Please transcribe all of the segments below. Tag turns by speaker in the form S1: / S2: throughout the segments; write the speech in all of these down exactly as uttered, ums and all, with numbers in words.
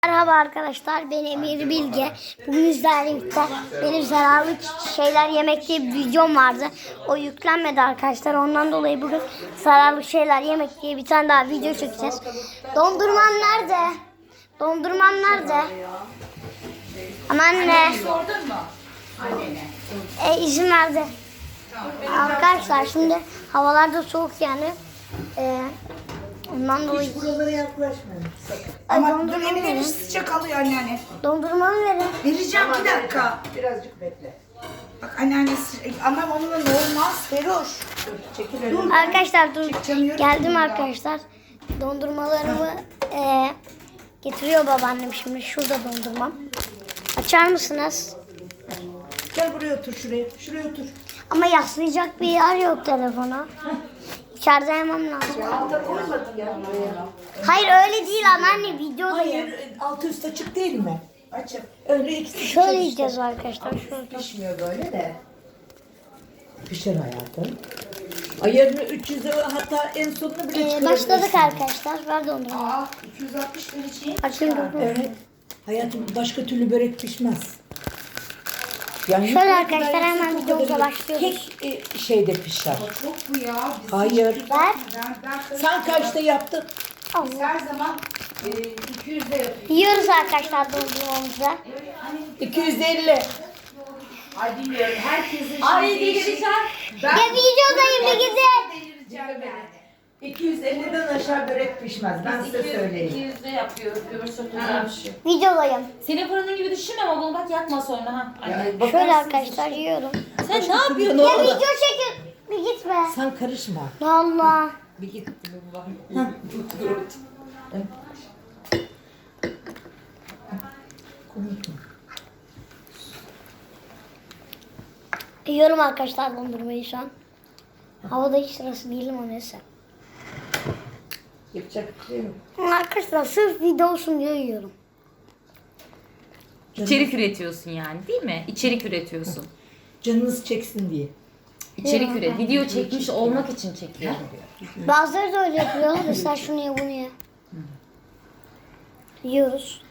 S1: Merhaba arkadaşlar, ben Emir Bilge. Bugün sizlerle birlikte benim zararlı şeyler yemek diye bir videom vardı. O yüklenmedi arkadaşlar. Ondan dolayı bugün zararlı şeyler yemek diye bir tane daha video çekeceğiz. Dondurmam nerede? Dondurmam nerede? Ama anne.
S2: Sordun mu? Annene.
S1: E, izin verdi. Arkadaşlar şimdi havalarda soğuk yani. E, ondan dolayı.
S3: Hiç buralara yaklaşmayın sakın.
S2: Ama dur Emine sıcak alıyor anneanne.
S1: Dondurmamı verin.
S2: Vereceğim bir dakika.
S3: Birazcık bekle.
S2: Bak anneanne sıcak. Ama onunla ne olmaz Feroş.
S3: Dur çekil önüne.
S1: Arkadaşlar dur.
S2: Çekemiyorum
S1: Geldim
S2: ya.
S1: arkadaşlar. Dondurmalarımı e, getiriyor babaannem şimdi. Şurada dondurmam. Açar mısınız?
S3: Gel buraya otur şuraya. Şuraya otur.
S1: Ama yaslayacak bir yer yok telefona. İçeride yemem lazım.
S3: Alta koymadın ya buraya.
S1: Hayır öyle değil anneanne, videodayım.
S3: Hayır altı üst açık değil mi? Açık. Öyle ikisi
S1: Şöyle
S3: pişer işte.
S1: yiyeceğiz arkadaşlar. Şöyle.
S3: Pişmiyor böyle de. Pişer hayatım. Ayarını üç yüze hatta en sonunu bile
S1: Ee,
S3: çıkarabilirsin.
S1: başladık arkadaşlar. Ver dondurmayı.
S2: Aa iki yüz altmış derece.
S1: Açın dondurmayı.
S3: Evet. Hayatım başka türlü börek pişmez. Yani
S1: Şöyle
S3: ne
S1: arkadaşlar,
S3: kadar
S1: hemen
S3: yüksek, o
S1: videomuza
S3: kadar
S1: başlıyoruz.
S3: Tek e, şeyde pişer.
S2: Çok bu ya. Biz
S3: Hayır.
S1: Ver.
S2: Ben, ben
S3: Sen kaçta yaptın?
S2: Biz her zaman e, iki yüzde yapıyoruz.
S1: Yiyoruz arkadaşlar dondurmamızı.
S3: iki yüz elli.
S2: Ay bilmiyorum. Herkesin
S4: Ay
S2: şeyi değişik.
S4: delireceğim.
S2: Ben
S1: Ya videodayım bir gidin.
S2: delireceğim yani.
S3: iki yüz elliden aşağı börek pişmez. Ben size söyleyeyim.
S4: iki yüzde yapıyor. Öbür çok güzel bir şey.
S1: Videodayım.
S4: Senin fırının gibi düşünme ama bunu bak yakma sonra ha. Anne.
S1: Şöyle arkadaşlar yiyorum.
S4: Sen ne yapıyorsun?
S1: Ya
S3: orada?
S1: video çekin. Bir gitme.
S3: Sen karışma.
S1: Allah.
S3: Bir git.
S1: Yiyorum arkadaşlar dondurmayı şu an. Havada hiç sırası değilim o neyse.
S3: Yapacak bir şey yok.
S1: Arkadaşlar sırf video olsun diye yiyorum.
S4: İçerik üretiyorsun yani değil mi? İçerik üretiyorsun.
S3: Canınız çeksin diye.
S4: İçerik üret. Video çekmiş olmak için çekiyor.
S1: Bazıları da öyle yapıyor. Mesela şunu ye bunu ye. Yiyoruz.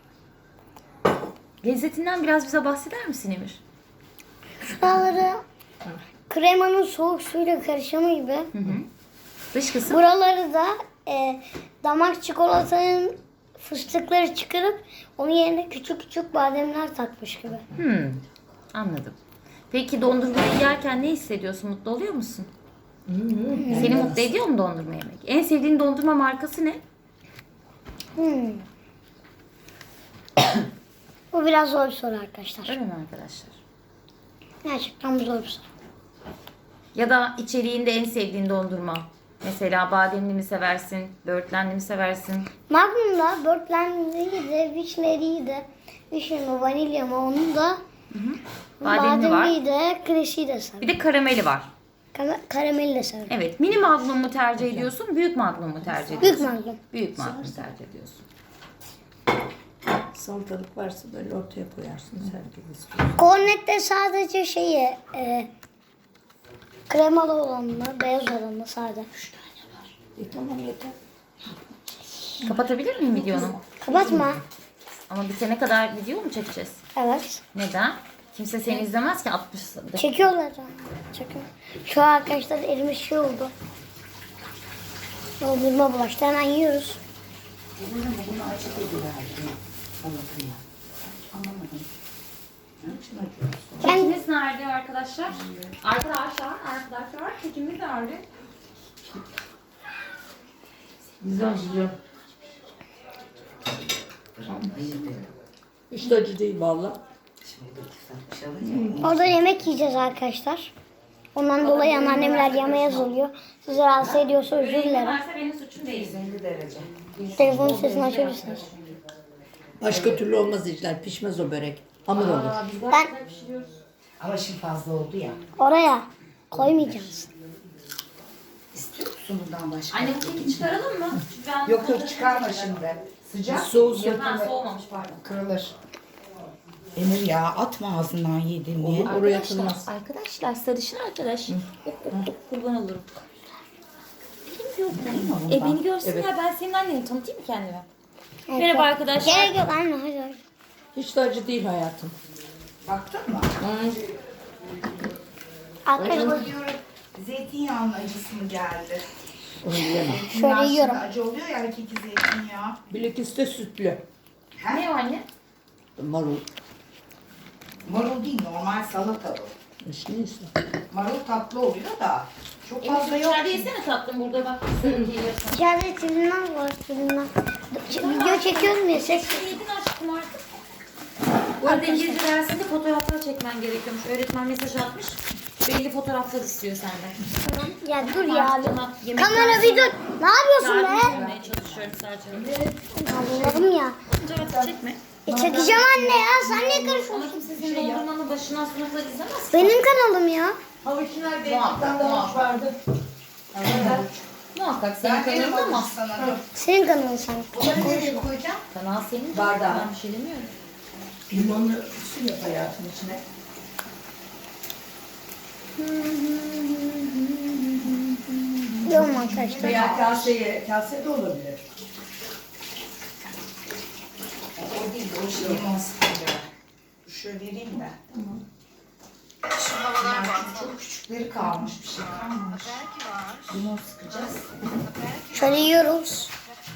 S4: Lezzetinden biraz bize bahseder misin Emir?
S1: Şuraları kremanın soğuk suyla karışımı gibi.
S4: Dış kısım.
S1: Buraları da e, damak çikolatanın fıstıkları çıkarıp onun yerine küçük küçük bademler takmış gibi.
S4: Hmm, anladım. Peki dondurmayı yerken ne hissediyorsun? Mutlu oluyor musun? Seni mutlu ediyor mu dondurma yemek? En sevdiğin dondurma markası ne?
S1: Hmm. Bu biraz zor bir soru arkadaşlar.
S4: Öyle mi arkadaşlar?
S1: Gerçekten bu zor bir soru.
S4: Ya da içeriğinde en sevdiğin dondurma. Mesela bademli mi seversin, böğürtlenli mi seversin?
S1: Magnum'da börtlenliği de, vişneliği de, vişne mi, vanilya mı onu da,
S4: Bademli var.
S1: bademliği de, kreşiyi de
S4: Bir
S1: severim.
S4: de karameli var.
S1: Kara- Karameli de severim.
S4: Evet. Mini magnum mu tercih ediyorsun, büyük magnum mu tercih ediyorsun?
S1: Büyük magnum.
S4: Büyük magnum tercih ediyorsun.
S3: Salatalık varsa böyle ortaya koyarsınız herkes istiyor.
S1: Kornette sadece şeyi, e, kremalı olanı, beyaz olanı sade.
S3: E tamam yeter.
S4: Kapatabilir miyim videonu?
S1: Kapatma.
S4: Ama bitene kadar video mu çekeceğiz?
S1: Evet.
S4: Neden? Kimse seni izlemez ki altmış dakika.
S1: Çekiyorlar. Çekiyor. Şu an arkadaşlar elimiz şey oldu. Dondurma bulaştı. Hemen yiyoruz.
S4: Kekimiz nerede arkadaşlar? Arkadaşlar, arkadaşlar kekimiz nerede?
S3: Güzel güzel. Hiç de acı değil valla.
S1: Orada yemek yiyeceğiz arkadaşlar. Ondan dolayı anneannemler yemeğe oluyor. Sizi rahatsız ediyorsa özür dilerim.
S4: Varsa benim suçum değil.
S1: Telefonun sesini açabilirsiniz.
S3: Başka türlü olmaz işler. Pişmez o börek. Hamur olur.
S1: Ben
S2: Ama şimdi fazla oldu ya.
S1: oraya koymayacağız.
S2: İstiyor musun bundan başka?
S4: Anne bu keki çıkaralım mı? Çünkü ben
S2: Yok yok çıkarma şimdi. Sıcak.
S3: Soğusun.
S4: Ha, soğumamış pardon.
S2: Kırılır. Emir ya atma ağzından yedin diye.
S3: Oraya atılmaz.
S4: Arkadaşlar sarışın arkadaş. Kurban olurum. Benim yok. E beni görsünler, ben senin annenim, tanıtayım mı kendime? Merhaba arkadaşlar.
S1: Gerek yok anne hadi hadi.
S3: Hiç de acı değil hayatım.
S2: Baktın mı?
S1: Arkadaşlar
S2: Acaba diyorum zeytinyağının acısı mı geldi?
S3: Onu yiyemem.
S2: Zeytinyağı şimdi
S1: yiyorum.
S2: acı oluyor ya hakiki zeytinyağı.
S3: Bilakis de sütlü.
S4: Ne o anne?
S3: Marul.
S2: Marul değil normal salata bu.
S3: İşte neyse.
S2: Marul tatlı oluyor da çok
S4: Emir
S2: fazla yok.
S4: dışarıda yesene tatlım burada bak. Söyleyeyim.
S1: içeride çizimler var çizimler. Video çekiyorum ya ses.
S4: Yedin aşkım artık. Bu arada İngilizce dersinde fotoğraflar çekmen gerekiyormuş. Öğretmen mesaj atmış. Belli fotoğraflar istiyor senden.
S1: Ya dur ya abi.
S4: Tamam, yemek
S1: Kamera
S4: dersi-
S1: bir dur. Ne yapıyorsun
S4: Yardımcı
S1: be?
S4: olmaya çalışıyorum sadece.
S1: Allah'ım ya.
S4: Cevap çekme.
S1: E çekeceğim anne ya. Sen niye
S4: Ama
S1: karışıyorsun?
S4: kimse senin dondurmanı başından sona kadar izlemez.
S1: Benim kanalım ya.
S3: Havuç nerede?
S2: Muhakkak,
S3: Bir tane havuç
S2: muhakkak.
S3: vardı.
S4: Muhakkak senin
S2: Ben
S4: kanalın
S2: verim
S4: ama.
S2: ama sana. Dur.
S1: Senin kanalın sen.
S2: Bunları nereye koyacağım?
S4: Kanal senin.
S3: Bardağı.
S4: Ben bir şey demiyorum.
S3: Limonlu su yap hayatım içine.
S1: Yok arkadaşlar.
S3: Veya kaseye, kase de olabilir.
S2: O değil o şey limon sıkınca. Şöyle vereyim de. Tamam. Şu havalar var. Çok küçükleri kalmış bir şey kalmamış. Limon sıkacağız.
S1: Şöyle yiyoruz.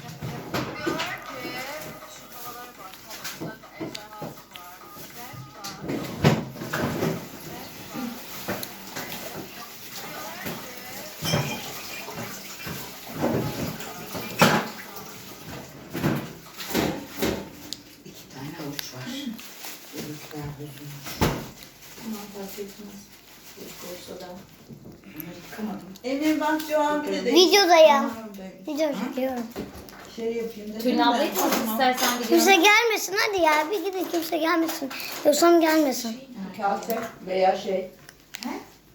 S2: İki tane avuç var. Öbürler bozulmuş.
S4: Tamam fark etmez. Keşke olsa da.
S2: Bunları yıkamadım.
S3: Emir bak şu an bir de
S1: Videodayım. Video çekiyorum.
S3: şey yapayım dedim.
S4: Tülin
S3: de.
S4: ablayı tanıt istersen
S1: Kimse
S4: biliyorum.
S1: gelmesin hadi ya. Bir gidin kimse gelmesin. Yoksam gelmesin.
S3: Kase veya şey.
S2: He?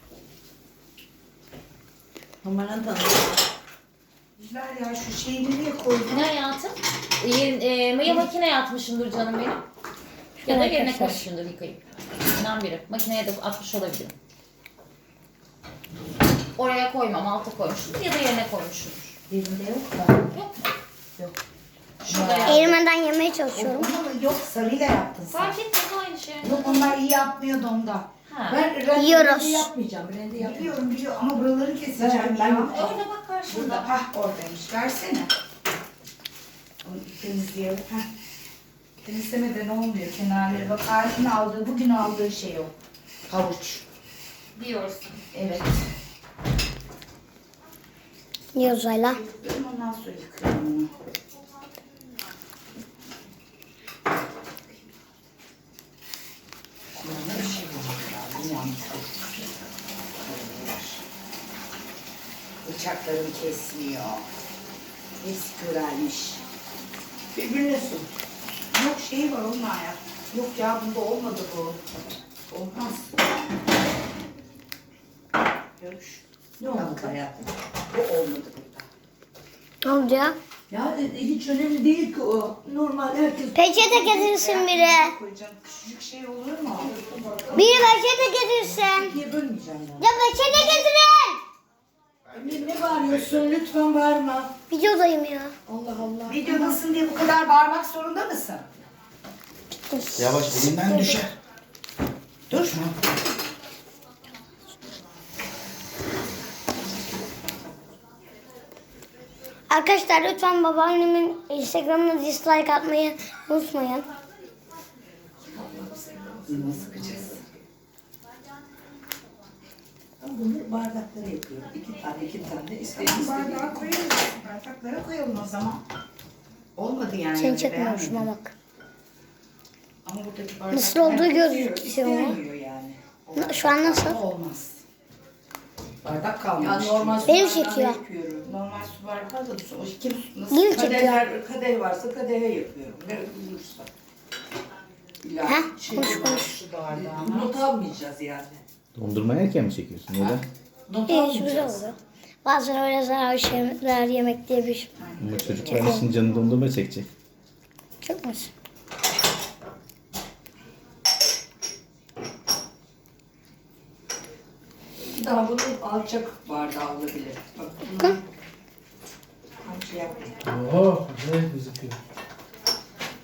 S3: Numaranı tanıdım.
S2: Güzel ya şu şeyi nereye koydun?
S4: Ne hayatım? E, e, maya makineye atmışımdır canım benim. Ya da yerine
S1: Arkadaşlar.
S4: koymuşumdur yıkayıp. İnan biri. Makineye de atmış olabilirim. Oraya koymam, alta koymuşumdur ya da yerine koymuşumdur.
S2: Yerinde yok da.
S4: Yok mu?
S2: Yok.
S4: Şurada yap.
S1: Erimeden yemeye çalışıyorum.
S2: Onu yok sarıyla yaptın sen.
S4: Fark etmez aynı şey.
S2: Yok onlar iyi yapmıyordu onda.
S4: Ha.
S3: Ben rende
S1: Yiyoruz.
S3: yapmayacağım. Rende yapmayacağım.
S2: Biliyorum biliyorum ama buraları keseceğim
S3: Ben- ben-
S2: ya.
S4: Orada bak karşında.
S2: Burada hah oradaymış. Versene. Onu temizleyelim. Heh. Temizlemeden olmuyor kenarları. Bak Arif'in aldığı, bugün aldığı şey o. Havuç.
S4: Diyorsun.
S2: Evet.
S1: Yiyoruz Ayla.
S2: Ben ondan sonra yıkıyorum onu. Kulağına bir şey var. Bilmiyorum. Bıçaklarını kesmiyor. Hepsi körelmiş.
S3: Birbirine su.
S2: Yok şey var onun ya. Yok ya bunda olmadı bu. Olmaz. Görüş.
S3: Ne oldu hayatım?
S2: Bu olmadı burada.
S1: Ne oldu ya?
S3: Ya e, hiç önemli değil ki o. Normal herkes.
S1: Peçete getirsin biri.
S2: Koyacağım. Küçücük şey olur mu?
S1: Biri peçete getirsin.
S3: İkiye bölmeyeceğim yani.
S1: Ya peçete getirin.
S3: Emir ne bağırıyorsun? Lütfen bağırma.
S1: Videodayım ya.
S3: Allah Allah.
S2: Videodasın diye bu kadar bağırmak zorunda mısın?
S5: Yavaş elinden düşer.
S2: Dur.
S1: Arkadaşlar lütfen babaannemin Instagram'ına dislike atmayı unutmayın.
S2: Limon sıkacağız.
S3: Ben bunu bardaklara yapıyorum. İki tane, iki tane. İstediğiniz
S2: Bardağa koyalım. Bardaklara koyalım o zaman. Olmadı yani.
S1: Seni
S2: öyle
S1: çekmiyorum
S2: beğenmedim.
S1: şuna bak.
S2: Ama buradaki bardaklar
S1: Nasıl olduğu
S2: istiyor,
S1: gözüküyor mu?
S2: istemiyor yani.
S1: Na- şu an nasıl?
S2: Olmaz. Bardak
S3: Ya
S2: kalmamış.
S3: normal su
S1: Benim
S3: bardağına
S1: çekiyor.
S3: yapıyorum.
S2: Normal su bardağı da su. O kim nasıl?
S1: Değil mi çekiyor?
S3: Kadeher, kadeh varsa kadehe yapıyorum. Ne bulursa. İlla
S1: Ha?
S3: şey
S1: Konuş
S3: yok.
S1: konuş.
S2: Su bardağı.
S3: Not almayacağız yani.
S5: Dondurma yerken mi çekiyorsun? Neden?
S3: Not
S1: İyi güzel
S3: almayacağız.
S1: oluyor. Bazen öyle zararlı şeyler yemek diye bir şey.
S5: Ama çocuklar için canı dondurma çekecek.
S1: Çok mu?
S3: Daha bunun alçak bardağı olabilir. Bak bunun alçak yapmayın.
S5: Oh, güzel gözüküyor.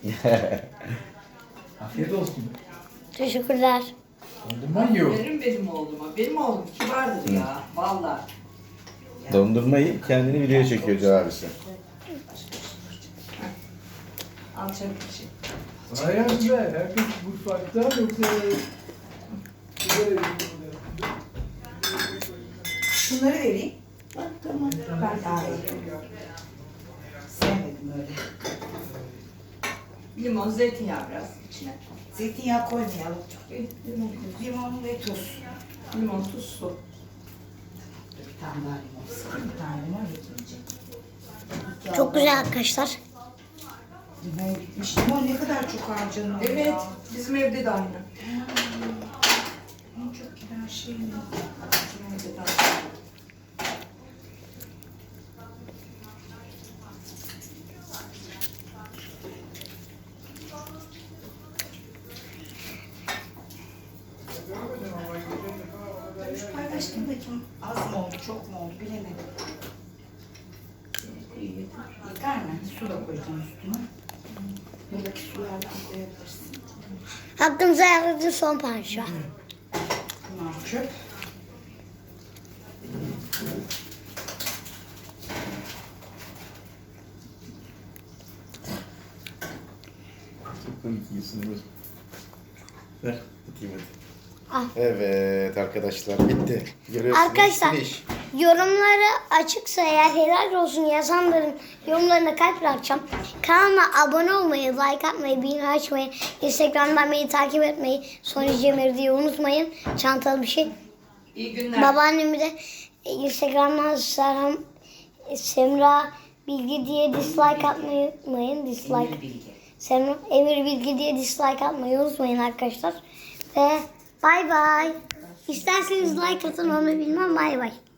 S6: Afiyet olsun.
S1: Teşekkürler.
S6: Dondurma yiyor.
S3: Verin benim oğluma. Benim oğlum kibardır ya. Vallahi.
S5: Dondurmayı kendini videoya çekiyor Hoca abisi.
S3: Al çabuk içi.
S6: Sayende herkes mutfakta yoksa...
S2: Şunları vereyim. Bak tamam. Ben daha iyi. Sevmedim öyle.
S3: Limon, zeytinyağı biraz içine.
S2: Zeytinyağı koymayalım.
S3: Bir limon koy.
S2: Limon ve tuz.
S3: Limon, tuz, su.
S2: Bir tane daha limon sıkayım. Bir tane limon yetmeyecek. İki
S1: Çok
S2: aldım.
S1: güzel arkadaşlar.
S2: Limon bitmiş. Limon ne kadar çok harcanıyor.
S3: Evet,
S2: ya.
S3: bizim evde de aynı.
S2: En çok giden şey ne?
S3: Bizim evde de aynı.
S2: Şu paylaştım bakayım. Az mı oldu, çok mu oldu bilemedim. Yeter mi? Su da koyacağım üstüne. Buradaki sulardan koyabilirsin.
S1: Hakkınıza yaradığı son parça.
S2: Bunlar çöp.
S5: Çok komik yiyorsun Ömür. Ver tutayım hadi.
S1: Al.
S5: Evet arkadaşlar bitti. Görüyorsunuz.
S1: Arkadaşlar
S5: finish.
S1: yorumları açıksa eğer helal olsun yazanların yorumlarına kalp bırakacağım. Kanalıma abone olmayı, like atmayı, bildirim açmayı, Instagram'dan beni takip etmeyi, Sony Cemir diye unutmayın. Çantalı bir şey.
S3: İyi günler.
S1: Babaannemi de e, Instagram'dan Serhan e, Semra Bilgi diye dislike atmayı unutmayın. Dislike. Semra Emir Bilgi diye dislike atmayı unutmayın arkadaşlar. Ve bay bay. İsterseniz like atın onu bilmem, bay bay.